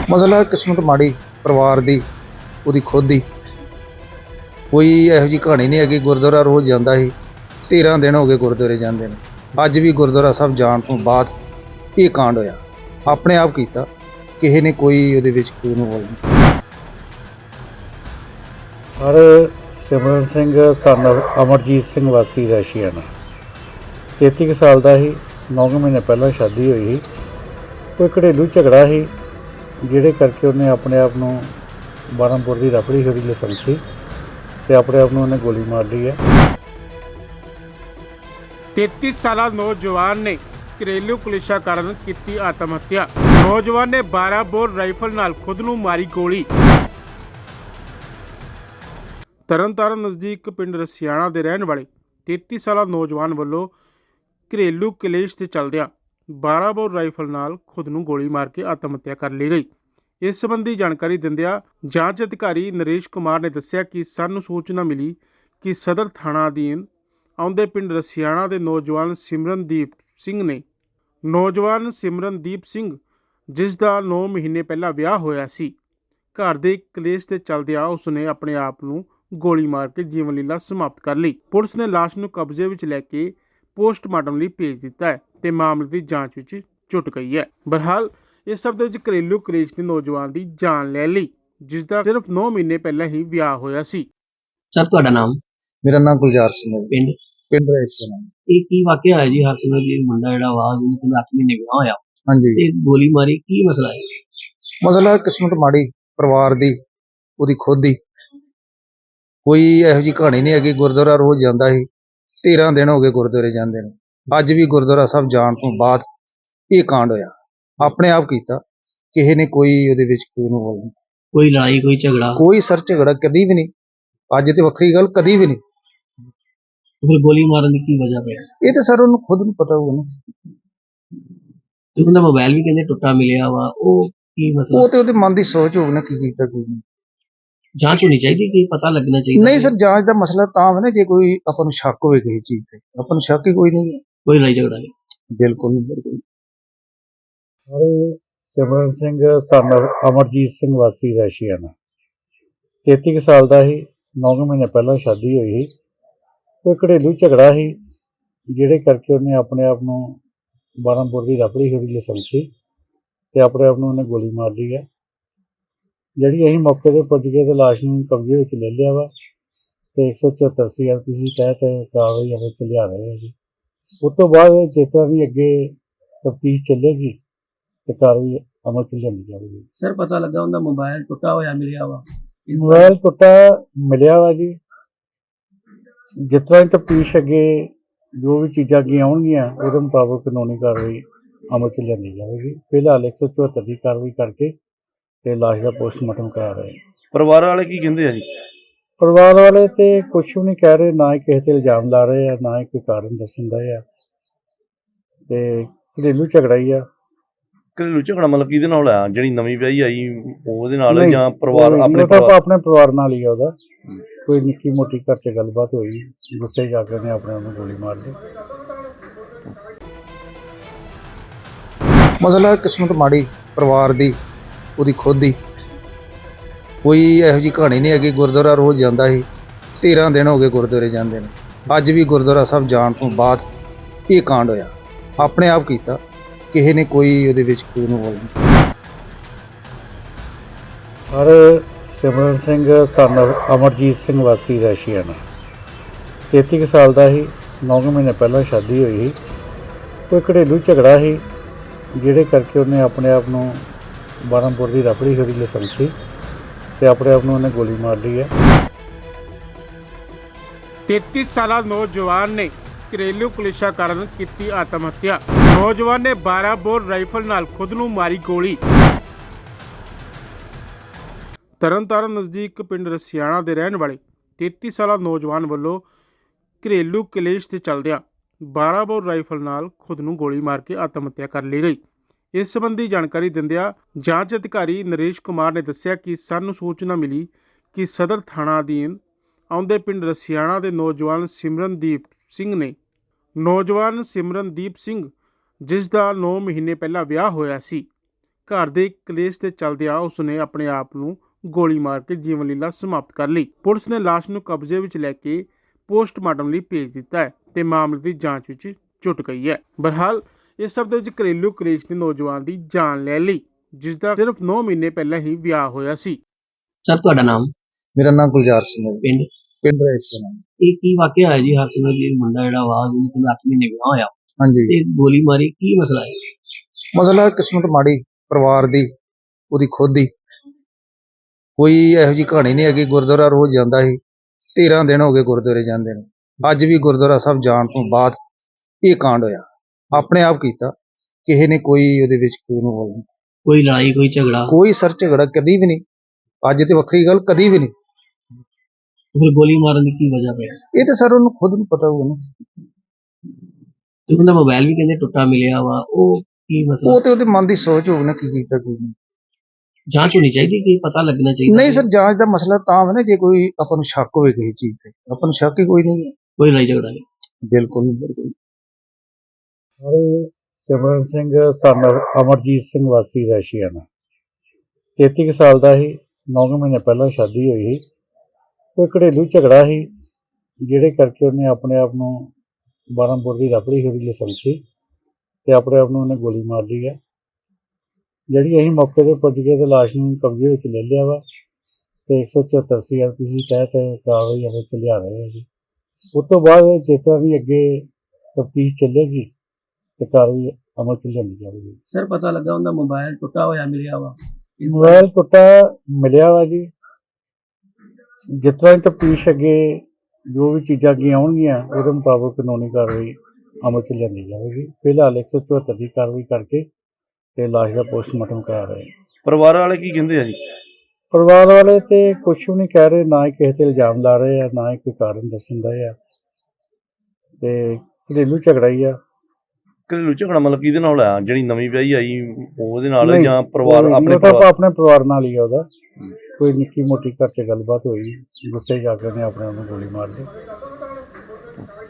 ਮਸਲਾ ਕਿਸਮਤ ਮਾੜੀ ਪਰਿਵਾਰ ਦੀ, ਉਹਦੀ ਖੁਦ ਦੀ। ਕੋਈ ਇਹੋ ਜਿਹੀ ਕਹਾਣੀ ਨਹੀਂ ਹੈਗੀ। ਗੁਰਦੁਆਰਾ ਰੋਜ਼ ਜਾਂਦਾ ਸੀ, 13 ਦਿਨ ਹੋ ਗਏ ਗੁਰਦੁਆਰੇ ਜਾਂਦੇ ਨੇ। ਅੱਜ ਵੀ ਗੁਰਦੁਆਰਾ ਸਾਹਿਬ ਜਾਣ ਤੋਂ ਬਾਅਦ ਇਹ ਕਾਂਡ ਹੋਇਆ, ਆਪਣੇ ਆਪ ਕੀਤਾ, ਕਿਸੇ ਨੇ ਕੋਈ ਉਹਦੇ ਵਿੱਚ ਕੋਈ ਇਨਵੋਲ ਨਹੀਂ। ਹਰ ਸਿਮਰਨ ਸਿੰਘ ਸਨ ਅਮਰਜੀਤ ਸਿੰਘ ਵਾਸੀ ਰੈਸ਼ੀਆਣਾ 33 ਸਾਲ ਦਾ ਸੀ। 9 ਮਹੀਨੇ ਪਹਿਲਾਂ ਸ਼ਾਦੀ ਹੋਈ ਸੀ। ਕੋਈ ਘਰੇਲੂ ਝਗੜਾ ਸੀ ਜਿਹੜੇ ਕਰਕੇ ਉਹਨੇ ਆਪਣੇ ਆਪ ਨੂੰ 12 ਬੋਰ ਦੀ ਰਬੜੀ ਹੋਈ ਲਾਇਸੈਂਸੀ ਅਤੇ ਆਪਣੇ ਆਪ ਨੂੰ ਉਹਨੇ ਗੋਲੀ ਮਾਰ ਲਈ ਹੈ। 33 ਸਾਲਾ ਨੌਜਵਾਨ ਨੇ ਘਰੇਲੂ ਕਲੇਸ਼ਾਂ ਕਾਰਨ ਕੀਤੀ ਆਤਮ ਹੱਤਿਆ। ਨੌਜਵਾਨ ਨੇ 12 ਬੋਰ ਰਾਈਫਲ ਨਾਲ ਖੁਦ ਨੂੰ ਮਾਰੀ ਗੋਲੀ। ਤਰਨਤਾਰਨ ਨਜ਼ਦੀਕ ਪਿੰਡ ਰਸਿਆਣਾ ਦੇ ਰਹਿਣ ਵਾਲੇ 33 ਸਾਲਾ ਨੌਜਵਾਨ ਵੱਲੋਂ ਘਰੇਲੂ ਕਲੇਸ਼ ਦੇ ਚੱਲਦਿਆਂ 12 ਬੋਰ ਰਾਈਫਲ ਨਾਲ ਖੁਦ ਨੂੰ ਗੋਲੀ ਮਾਰ ਕੇ ਆਤਮ ਹੱਤਿਆ ਕਰ ਲਈ ਗਈ। ਇਸ ਸੰਬੰਧੀ ਜਾਣਕਾਰੀ ਦਿੰਦਿਆਂ ਜਾਂਚ ਅਧਿਕਾਰੀ ਨਰੇਸ਼ ਕੁਮਾਰ ਨੇ ਦੱਸਿਆ ਕਿ ਸਾਨੂੰ ਸੂਚਨਾ ਮਿਲੀ ਕਿ ਸਦਰ ਥਾਣਾ ਅਧੀਨ ਆਉਂਦੇ ਪਿੰਡ ਰਸਿਆਣਾ ਦੇ ਨੌਜਵਾਨ ਸਿਮਰਨਦੀਪ ਸਿੰਘ ਜਿਸ ਦਾ 9 ਮਹੀਨੇ ਪਹਿਲਾਂ ਵਿਆਹ ਹੋਇਆ ਸੀ, ਘਰ ਦੇ ਕਲੇਸ਼ ਦੇ ਚੱਲਦਿਆਂ ਉਸਨੇ ਆਪਣੇ ਆਪ ਨੂੰ ਗੋਲੀ ਮਾਰ ਕੇ ਜੀਵਨ ਲੀਲਾ ਸਮਾਪਤ ਕਰ ਲਈ। ਪੁਲਿਸ ਨੇ ਲਾਸ਼ ਨੂੰ ਕਬਜ਼ੇ ਵਿੱਚ ਲੈ ਕੇ ਪੋਸਟਮਾਰਟਮ ਲਈ ਭੇਜ ਦਿੱਤਾ ਹੈ ਤੇ ਮਾਮਲੇ ਦੀ ਜਾਂਚ ਵਿੱਚ ਜੁਟ ਗਈ ਹੈ। ਬਹਰਹਾਲ ਇਸ ਸਭ ਦੇ ਵਿੱਚ ਘਰੇਲੂ ਕਲੇਸ਼ ਨੇ ਨੌਜਵਾਨ ਦੀ ਜਾਨ ਲੈ ਲਈ, ਜਿਸ ਦਾ ਸਿਰਫ 9 ਮਹੀਨੇ ਪਹਿਲਾਂ ਹੀ ਵਿਆਹ ਹੋਇਆ ਸੀ। ਸਰ ਤੁਹਾਡਾ ਨਾਮ? ਮੇਰਾ ਨਾਮ ਗੁਲਜ਼ਾਰ ਸਿੰਘ ਹੈ। ਪਿੰਡ? ਪਿੰਡ ਰੈਸ਼ੀਆਣਾ। ਇਹ ਕੀ ਵਾਕਿਆ ਹੋਇਆ ਜੀ? ਹਰਸਿਮਰਤ ਜੀ ਮੁੰਡਾ ਜਿਹੜਾ ਵਾ ਜਿਹਨੇ ਕਿ 8 ਮਹੀਨੇ ਵਿਆਹ ਹੋਇਆ ਹਾਂਜੀ, ਤੇ ਗੋਲੀ ਮਾਰੀ, ਕੀ ਮਸਲਾ ਹੈ? ਮਸਲਾ ਕਿਸਮਤ ਮਾੜੀ ਪਰਿਵਾਰ ਦੀ, ਉਹਦੀ ਖੁਦ ਦੀ। ਕੋਈ ਇਹੋ ਜਿਹੀ ਕਹਾਣੀ ਨਹੀਂ ਹੈਗੀ। ਗੁਰਦੁਆਰਾ ਰੋਜ਼ ਜਾਂਦਾ ਸੀ, 13 ਦਿਨ ਹੋ ਗਏ ਗੁਰਦੁਆਰੇ ਜਾਂਦੇ ਨੇ। ਅੱਜ ਵੀ ਗੁਰਦੁਆਰਾ ਸਾਹਿਬ ਜਾਣ ਤੋਂ ਬਾਅਦ ਇਹ ਕਾਂਡ ਹੋਇਆ, ਆਪਣੇ ਆਪ ਕੀਤਾ, ਕਿਸੇ ਨੇ ਕੋਈ ਉਹਦੇ ਵਿੱਚ ਕੋਈ ਇਨਵੋਲ ਨਹੀਂ। ਕੋਈ ਲੜਾਈ, ਕੋਈ ਝਗੜਾ? ਕੋਈ ਸਰ ਝਗੜਾ ਕਦੀ ਵੀ ਨਹੀਂ। ਅੱਜ ਤੇ ਵੱਖਰੀ ਗੱਲ, ਕਦੀ ਵੀ ਨਹੀਂ। ਫਿਰ ਗੋਲੀ ਮਾਰਨ ਦੀ ਕੀ ਵਜ੍ਹਾ ਪਈ? ਇਹ ਤਾਂ ਸਰ ਉਹਨੂੰ ਖੁਦ ਨੂੰ ਪਤਾ ਹੋਊਗਾ ਨਾ। ਤੇ ਉਹਦਾ ਮੋਬਾਈਲ ਵੀ ਕਹਿੰਦੇ ਟੁੱਟਾ ਮਿਲਿਆ ਵਾ, ਉਹ ਕੀ ਮਸਲਾ? ਉਹ ਤੇ ਉਹਦੇ ਮਨ ਦੀ ਸੋਚ ਹੋਊ ਨਾ, ਕੀ ਕੀਤਾ ਕੀ ਨਹੀਂ। ਜਾਂਚ ਹੋਣੀ ਚਾਹੀਦੀ, ਕਿ ਪਤਾ ਲੱਗਣਾ ਚਾਹੀਦਾ। ਨਹੀਂ ਸਰ, ਜਾਂਚ ਦਾ ਮਸਲਾ ਤਾਂ ਹੈ ਨਾ ਜੇ ਕੋਈ ਆਪਾਂ ਨੂੰ ਸ਼ੱਕ ਹੋਵੇ ਕਿਸੇ ਚੀਜ਼ ਤੇ। ਆਪਾਂ ਨੂੰ ਸ਼ੱਕ ਹੀ ਕੋਈ ਨਹੀਂ ਹੈ। ਕੋਈ ਲੜਾਈ ਝਗੜਾ ਨਹੀਂ? ਬਿਲਕੁਲ ਬਿਲਕੁਲ। ਹਰ ਸਿਮਰਨ ਸਿੰਘ ਸਨ ਅਮਰਜੀਤ ਸਿੰਘ ਵਾਸੀ ਰੈਸ਼ੀਆਣਾ 33 ਸਾਲ ਦਾ ਸੀ। 9 ਮਹੀਨੇ ਪਹਿਲਾਂ ਸ਼ਾਦੀ ਹੋਈ ਸੀ। ਕੋਈ ਘਰੇਲੂ ਝਗੜਾ ਸੀ ਜਿਹੜੇ ਕਰਕੇ ਉਹਨੇ ਆਪਣੇ ਆਪ ਨੂੰ 12 ਬੋਰ ਦੀ ਰਬੜੀ ਹੋਈ ਲਾਇਸੈਂਸੀ ਅਤੇ ਆਪਣੇ ਆਪ ਨੂੰ ਉਹਨੇ ਗੋਲੀ ਮਾਰ ਲਈ ਹੈ। ਜਿਹੜੀ ਅਸੀਂ ਮੌਕੇ 'ਤੇ ਪੁੱਜ ਗਏ ਅਤੇ ਲਾਸ਼ ਨੂੰ ਕਬਜ਼ੇ ਵਿੱਚ ਲੈ ਲਿਆ ਵਾ ਅਤੇ 174 CRPC ਤਹਿਤ ਕਾਰਵਾਈ ਅਮਲ 'ਚ ਲਿਆ ਰਹੇ ਹਾਂ ਜੀ। ਉਸ ਤੋਂ ਬਾਅਦ ਜਿਸ ਤਰ੍ਹਾਂ ਵੀ ਅੱਗੇ ਤਫਤੀਸ਼ ਚੱਲੇਗੀ ਅਤੇ ਕਾਰਵਾਈ ਅਮਲ 'ਚ ਲਿਆਂਦੀ ਜਾਵੇਗੀ। ਸਰ ਪਤਾ ਲੱਗਾ ਉਹਦਾ ਮੋਬਾਈਲ ਟੁੱਟਾ ਹੋਇਆ ਮਿਲਿਆ ਵਾ? ਮੋਬਾਈਲ ਟੁੱਟਾ ਮਿਲਿਆ ਵਾ ਜੀ। ਜਿਸ ਤਰ੍ਹਾਂ ਦੀ ਤਫਤੀਸ਼ ਅੱਗੇ ਜੋ ਵੀ ਚੀਜ਼ਾਂ ਅੱਗੇ ਆਉਣਗੀਆਂ ਉਹਦੇ ਮੁਤਾਬਕ ਕਾਨੂੰਨੀ ਕਾਰਵਾਈ ਅਮਲ 'ਚ ਲਿਆਂਦੀ ਜਾਵੇਗੀ। ਫਿਲਹਾਲ 174 ਦੀ ਕਾਰਵਾਈ ਕਰਕੇ ਤੇ ਲਾਸ਼ ਦਾ ਪੋਸਟਮਾਰਟਮ ਕਰਾ ਰਹੇ। ਪਰਿਵਾਰ ਵਾਲੇ ਕੀ ਕਹਿੰਦੇ ਆ ਜੀ? ਪਰਿਵਾਰ ਵਾਲੇ ਤੇ ਕੁਛ ਵੀ ਨਹੀਂ ਕਹਿ ਰਹੇ, ਨਾ ਹੀ ਕਿਸੇ ਤੇ ਇਲਜ਼ਾਮ ਲਾ ਰਹੇ ਆ, ਨਾ ਹੀ ਕੋਈ ਕਾਰਨ ਦੱਸਣ ਰਹੇ ਆ। ਤੇ ਘਰੇਲੂ ਝਗੜਾ ਹੀ ਆ। ਘਰੇਲੂ ਝਗੜਾ ਮਤਲਬ ਕਿਹਦੇ ਨਾਲ ਆ? ਜਿਹੜੀ ਨਵੀਂ ਵਿਆਹੀ ਆਈ ਉਹਦੇ ਨਾਲ ਨਹੀਂ, ਜਾਂ ਪਰਿਵਾਰ ਆਪਣੇ ਉਹ ਤਾਂ ਆਪਣੇ ਪਰਿਵਾਰ ਨਾਲ ਹੀ ਆ। ਉਹਦਾ ਕੋਈ ਨਿੱਕੀ ਮੋਟੀ ਘਰ 'ਚ ਗੱਲਬਾਤ ਹੋਈ, ਗੁੱਸੇ 'ਚ ਆ ਕੇ ਉਹਨੇ ਆਪਣੇ ਆਪ ਨੂੰ ਗੋਲੀ ਮਾਰ ਲਈ। ਮਸਲਾ ਕਿਸਮਤ ਮਾੜੀ ਪਰਿਵਾਰ ਦੀ, ਉਹਦੀ ਖੁਦ ਦੀ। ਕੋਈ ਇਹੋ ਜਿਹੀ ਕਹਾਣੀ ਨਹੀਂ ਹੈਗੀ। ਗੁਰਦੁਆਰਾ ਰੋਜ਼ ਜਾਂਦਾ ਸੀ, 13 ਦਿਨ ਹੋ ਗਏ ਗੁਰਦੁਆਰੇ ਜਾਂਦੇ ਨੇ। ਅੱਜ ਵੀ ਗੁਰਦੁਆਰਾ ਸਾਹਿਬ ਜਾਣ ਤੋਂ ਬਾਅਦ ਇਹ ਕਾਂਡ ਹੋਇਆ, ਆਪਣੇ ਆਪ ਕੀਤਾ, ਕਿਸੇ ਨੇ ਕੋਈ ਉਹਦੇ ਵਿੱਚ ਕੋਈ ਇਨਵੋਲ ਨਹੀਂ। ਹਰ ਸਿਮਰਨ ਸਿੰਘ ਸਨ ਅਮਰਜੀਤ ਸਿੰਘ ਵਾਸੀ ਰੈਸ਼ੀਆਣਾ 33 ਸਾਲ ਦਾ ਸੀ। 9 ਮਹੀਨੇ ਪਹਿਲਾਂ ਸ਼ਾਦੀ ਹੋਈ ਸੀ। ਕੋਈ ਘਰੇਲੂ ਝਗੜਾ ਸੀ ਜਿਹੜੇ ਕਰਕੇ ਉਹਨੇ ਆਪਣੇ ਆਪ ਨੂੰ 12 ਬੋਰ ਦੀ ਰਬੜੀ ਹੋਈ ਲਾਇਸੈਂਸੀ ਅਤੇ ਆਪਣੇ ਆਪ ਨੂੰ ਉਹਨੇ ਗੋਲੀ ਮਾਰ ਲਈ ਹੈ। 33 ਸਾਲਾ ਨੌਜਵਾਨ ਨੇ ਘਰੇਲੂ ਕਲੇਸ਼ਾਂ ਕਾਰਨ ਕੀਤੀ ਆਤਮ ਹੱਤਿਆ। ਨੌਜਵਾਨ ਨੇ 12 ਬੋਰ ਰਾਈਫਲ ਨਾਲ ਖੁਦ ਨੂੰ ਮਾਰੀ ਗੋਲੀ। ਤਰਨਤਾਰਨ ਨਜ਼ਦੀਕ ਪਿੰਡ ਰਸਿਆਣਾ ਦੇ ਰਹਿਣ ਵਾਲੇ 33 ਸਾਲਾ ਨੌਜਵਾਨ ਵੱਲੋਂ ਘਰੇਲੂ ਕਲੇਸ਼ ਦੇ ਚੱਲਦਿਆਂ 12 ਬੋਰ ਰਾਈਫਲ ਨਾਲ ਖੁਦ ਨੂੰ ਗੋਲੀ ਮਾਰ ਕੇ ਆਤਮ ਹੱਤਿਆ ਕਰ ਲਈ ਗਈ। ਇਸ ਸੰਬੰਧੀ ਜਾਣਕਾਰੀ ਦਿੰਦਿਆਂ ਜਾਂਚ ਅਧਿਕਾਰੀ ਨਰੇਸ਼ ਕੁਮਾਰ ਨੇ ਦੱਸਿਆ ਕਿ ਸਾਨੂੰ ਸੂਚਨਾ ਮਿਲੀ ਕਿ ਸਦਰ ਥਾਣਾ ਅਧੀਨ ਆਉਂਦੇ ਪਿੰਡ ਰਸਿਆਣਾ ਦੇ ਨੌਜਵਾਨ ਸਿਮਰਨਦੀਪ ਸਿੰਘ ਜਿਸ ਦਾ 9 ਮਹੀਨੇ ਪਹਿਲਾਂ ਵਿਆਹ ਹੋਇਆ ਸੀ, ਘਰ ਦੇ ਕਲੇਸ਼ ਦੇ ਚੱਲਦਿਆਂ ਉਸਨੇ ਆਪਣੇ ਆਪ ਨੂੰ ਗੋਲੀ ਮਾਰ ਕੇ ਜੀਵਨ ਲੀਲਾ ਸਮਾਪਤ ਕਰ ਲਈ। ਪੁਲਿਸ ਨੇ ਲਾਸ਼ ਨੂੰ ਕਬਜ਼ੇ ਵਿੱਚ ਲੈ ਕੇ ਪੋਸਟਮਾਰਟਮ ਲਈ ਭੇਜ ਦਿੱਤਾ ਹੈ ਤੇ ਮਾਮਲੇ ਦੀ ਜਾਂਚ ਵਿੱਚ ਜੁਟ ਗਈ ਹੈ। ਬਹਰਹਾਲ ਇਸ ਸਭ ਦੇ ਵਿੱਚ ਘਰੇਲੂ ਕਲੇਸ਼ ਨੇ ਨੌਜਵਾਨ ਦੀ ਜਾਨ ਲੈ ਲਈ, ਜਿਸ ਦਾ ਸਿਰਫ 9 ਮਹੀਨੇ ਪਹਿਲਾਂ ਹੀ ਵਿਆਹ ਹੋਇਆ ਸੀ। ਸਰ ਤੁਹਾਡਾ ਨਾਮ, ਮੇਰਾ ਨਾਮ ਗੁਲਜ਼ਾਰ ਸਿੰਘ ਹੈ, ਪਿੰਡ, ਪਿੰਡ ਰੇਸ਼ਾ। ਇਹ ਕੀ ਵਾਕਿਆ ਹੋਇਆ ਜੀ? ਹਰਸਿਮਰਤ ਜੀ ਮੁੰਡਾ ਜਿਹੜਾ ਵਾ ਜਿਹਨੇ ਕਿ 8 ਮਹੀਨੇ ਵਿਆਹ ਹੋਇਆ ਹਾਂਜੀ, ਤੇ ਗੋਲੀ ਮਾਰੀ, ਕੀ ਮਸਲਾ ਹੈ? ਮਸਲਾ ਕਿਸਮਤ ਮਾੜੀ ਪਰਿਵਾਰ ਦੀ, ਉਹਦੀ ਖੁਦ ਦੀ। ਕੋਈ ਇਹੋ ਜਿਹੀ ਕਹਾਣੀ ਨਹੀਂ ਹੈਗੀ। ਗੁਰਦੁਆਰਾ ਰੋਜ਼ ਜਾਂਦਾ ਸੀ, 13 ਦਿਨ ਹੋ ਗਏ ਗੁਰਦੁਆਰੇ ਜਾਂਦੇ ਨੂੰ। ਅੱਜ ਵੀ ਗੁਰਦੁਆਰਾ ਸਾਹਿਬ ਜਾਣ ਤੋਂ ਬਾਅਦ ਇਹ ਕਾਂਡ ਹੋਇਆ। ਆਪਣੇ ਆਪ ਕੀਤਾ, ਕਿਸੇ ਨੇ ਕੋਈ ਉਹਦੇ ਵਿੱਚ ਕੋਈ ਨੂੰ ਬੋਲ ਨਹੀਂ। ਕੋਈ ਲੜਾਈ, ਕੋਈ ਝਗੜਾ? ਕੋਈ ਸਰ ਝਗੜਾ ਕਦੀ ਵੀ ਨਹੀਂ। ਅੱਜ ਤੇ ਵੱਖਰੀ ਗੱਲ, ਕਦੀ ਵੀ ਨਹੀਂ। ਫਿਰ ਗੋਲੀ ਮਾਰਨ ਦੀ ਕੀ ਵਜ੍ਹਾ ਪਈ? ਇਹ ਤਾਂ ਸਰ ਉਹਨੂੰ ਖੁਦ ਨੂੰ ਪਤਾ ਹੋਊਗਾ ਨਾ। ਤੇ ਉਹਦਾ ਮੋਬਾਈਲ ਵੀ ਕਹਿੰਦੇ ਟੁੱਟਾ ਮਿਲਿਆ ਵਾ, ਉਹ ਕੀ ਮਸਲਾ? ਉਹ ਤੇ ਉਹਦੇ ਮਨ ਦੀ ਸੋਚ ਹੋਊ ਨਾ, ਕੀ ਕੀਤਾ ਕੀ ਨਹੀਂ। ਜਾਂਚ ਹੋਣੀ ਚਾਹੀਦੀ, ਕਿ ਪਤਾ ਲੱਗਣਾ ਚਾਹੀਦਾ। ਨਹੀਂ ਸਰ, ਜਾਂਚ ਦਾ ਮਸਲਾ ਤਾਂ ਹੈ ਨਾ, ਜੇ ਕੋਈ ਆਪਾਂ ਨੂੰ ਸ਼ੱਕ ਹੋਵੇ ਕਿਸੇ ਚੀਜ਼ ਤੇ। ਆਪਾਂ ਨੂੰ ਸ਼ੱਕ ਹੀ ਕੋਈ ਨਹੀਂ ਹੈ। ਕੋਈ ਲੜਾਈ ਝਗੜਾ ਨਹੀਂ। ਬਿਲਕੁਲ ਬਿਲਕੁਲ। ਹਰ ਸਿਮਰਨ ਸਿੰਘ ਸਨ ਅਮਰਜੀਤ ਸਿੰਘ ਵਾਸੀ ਰੈਸ਼ੀਆਣਾ, 33 ਸਾਲ ਦਾ ਸੀ। 9 ਮਹੀਨੇ ਪਹਿਲਾਂ ਸ਼ਾਦੀ ਹੋਈ ਸੀ। ਕੋਈ ਘਰੇਲੂ ਝਗੜਾ ਸੀ, ਜਿਹੜੇ ਕਰਕੇ ਉਹਨੇ ਆਪਣੇ ਆਪ ਨੂੰ 12 ਬੋਰ ਦੀ ਰਬੜੀ ਹੋਈ ਲਾਇਸੈਂਸ ਸੀ ਤੇ ਆਪਣੇ ਆਪ ਨੂੰ ਉਹਨੇ ਗੋਲੀ ਮਾਰ ਲਈ ਹੈ। ਜਿਹੜੀ ਅਸੀਂ ਮੌਕੇ 'ਤੇ ਪੁੱਜ ਗਏ ਤੇ ਲਾਸ਼ ਨੂੰ ਕਬਜ਼ੇ ਵਿੱਚ ਲੈ ਲਿਆ ਵਾ ਤੇ 174 CRPC ਤਹਿਤ ਕਾਰਵਾਈ ਅਮਲ 'ਚ ਲਿਆ ਰਹੇ ਹਾਂ ਜੀ। ਉਸ ਤੋਂ ਬਾਅਦ ਜਿਸ ਤਰ੍ਹਾਂ ਵੀ ਅੱਗੇ ਤਫਤੀਸ਼ ਚੱਲੇਗੀ ਤੇ ਕਾਰਵਾਈ ਅਮਲ 'ਚ ਲਿਆਂਦੀ ਜਾਵੇਗੀ। ਸਰ ਪਤਾ ਲੱਗਾ ਉਹਦਾ ਮੋਬਾਈਲ ਟੁੱਟਾ ਹੋਇਆ ਮਿਲਿਆ ਵਾ। ਮੋਬਾਈਲ ਟੁੱਟਾ ਮਿਲਿਆ ਵਾ ਜੀ। ਜਿਸ ਤਰ੍ਹਾਂ ਤਫਤੀਸ਼ ਅੱਗੇ ਜੋ ਵੀ ਚੀਜ਼ਾਂ ਅੱਗੇ ਆਉਣਗੀਆਂ ਉਹਦੇ ਮੁਤਾਬਕ ਕਾਨੂੰਨੀ ਕਾਰਵਾਈ ਅਮਲ 'ਚ ਲਿਆਂਦੀ ਜਾਵੇਗੀ। ਫਿਲਹਾਲ 174 ਦੀ ਕਾਰਵਾਈ ਕਰਕੇ ਤੇ ਲਾਸ਼ ਦਾ ਪੋਸਟਮਾਰਟਮ ਕਰਾ ਰਹੇ। ਪਰਿਵਾਰ ਵਾਲੇ ਕੀ ਕਹਿੰਦੇ ਆ ਜੀ? ਪਰਿਵਾਰ ਵਾਲੇ ਤੇ ਕੁਛ ਵੀ ਨਹੀਂ ਕਹਿ ਰਹੇ, ਨਾ ਹੀ ਕਿਸੇ ਤੇ ਇਲਜ਼ਾਮ ਲਾ ਰਹੇ ਆ, ਨਾ ਹੀ ਕੋਈ ਕਾਰਨ ਦੱਸਣ ਦਾ ਆ। ਤੇ ਘਰੇਲੂ ਝਗੜਾ ਹੀ ਆ। ਘਰੇਲੂ ਝਗੜਾ ਮਤਲਬ ਕਿਹਦੇ ਨਾਲ ਹੋਇਆ? ਜਿਹੜੀ ਨਵੀਂ ਵਿਆਹੀ ਆਈ ਉਹਦੇ ਨਾਲ, ਨਹੀਂ, ਜਾਂ ਪਰਿਵਾਰ ਉਹ ਆਪਣੇ ਤਾਂ ਪਰਿਵਾਰ? ਆਪਣੇ ਪਰਿਵਾਰ ਨਾਲ ਹੀ ਆ ਉਹਦਾ। ਕੋਈ ਨਿੱਕੀ ਮੋਟੀ ਘਰ 'ਚ ਗੱਲਬਾਤ ਹੋਈ, ਗੁੱਸੇ 'ਚ ਆ ਕੇ ਉਹਨੇ ਆਪਣੇ ਆਪ ਨੂੰ ਗੋਲੀ ਮਾਰ ਲਈ।